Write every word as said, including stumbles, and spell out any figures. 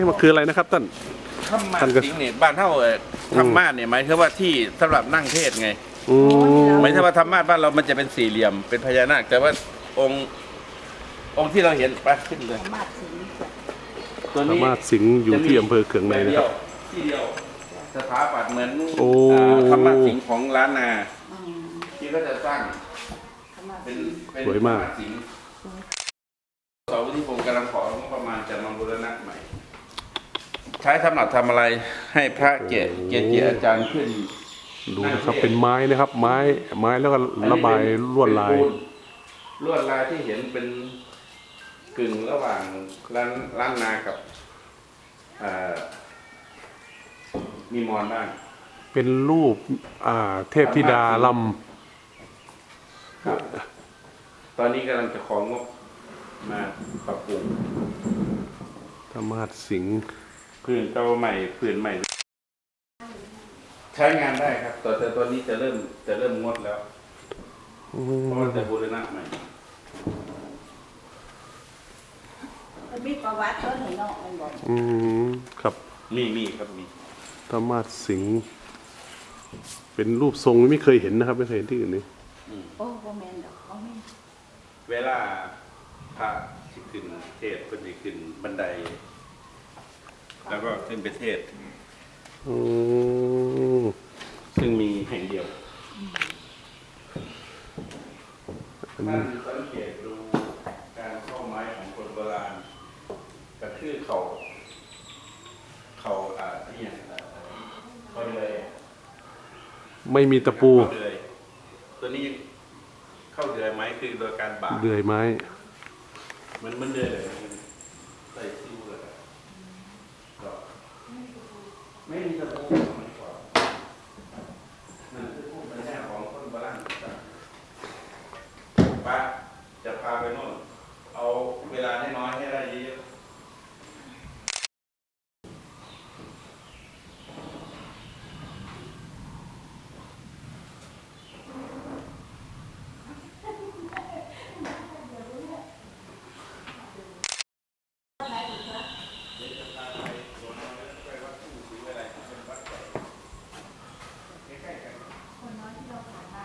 นี่มันคืออะไรนะครับท่านธรรมะสิงเนี่ยบ้านเท่าธรรมะเนี่ยหมายถึงว่าที่สำหรับนั่งเทศไงหมายถึงว่าธรรมะบ้านเรามันจะเป็นสี่เหลี่ยมเป็นพญานาคแต่ว่าองค์องค์ที่เราเห็นไปขึ้นเลยตัวธรนี้รมะสิงห์อยู่ที่อำเภอเขืองในนะครับที่เดียวสถาปัตย์เหมือนโอ้ธรรมะสิงห์ของล้านนาที่ก็จะสร้างเป็นเป็นสวยมากธรรสิงห์สาวที่ผมกำลังของบประมาณจะมาบูรณะใหม่ใช้สำหรับทำอะไรให้พระเกศเกจิอาจารย์ขึ้นดูนะครับเป็นไม้นะครับ ไม้ไม้แล้วก็ระบายลวดลายลวดลายที่เห็นเป็นกึ่งระหว่างล้านล้านนากับมีมอนบ้างเป็นรูปอ่าเทพธิดาลครับตอนนี้กำลังจะของงบมาปรับปรุงำธรรมะสิงห์พื้นเก่าใหม่พื้นใหม่ ใช้งานได้ครับแต่แต่ตอนนี้จะเริ่มจะเริ่มงดแล้วเพราะว่าจะบูรณะใหม่มันมีประวัติเขาหน่อยเนาะมันบอกอืมครับมีมีครับมีธรรมะสิงห์เป็นรูปทรงไม่เคยเห็นนะครับไม่เคยเห็นที่อื่นนี่โอ้โหแมนดอกเขาไม่เวลาพระที่ขึ้นเทศก็จะขึ้นบันได แล้วก็ขึ้นไปเทศอืมซึ่งมีแห่งเดียวอันท่านี้นสังเกตดูการเข้าไม้ของคนโบราณกระทือเขาเขาอ่าเนี่ยเขาเลยไม่มีตะปูเข้าเลยตัวนี้เข้าเดือยไหมคือโดยการบาดเดือยไม้มันมันเดือยเลยใส่ซิวเลยก็ไม่มีตะปูไม่กว่านั่นคือภูมิปัญญาของคนโบราณป้าจะพาไปโน่นเอาเวลาให้น้อยให้ได้เยอะๆ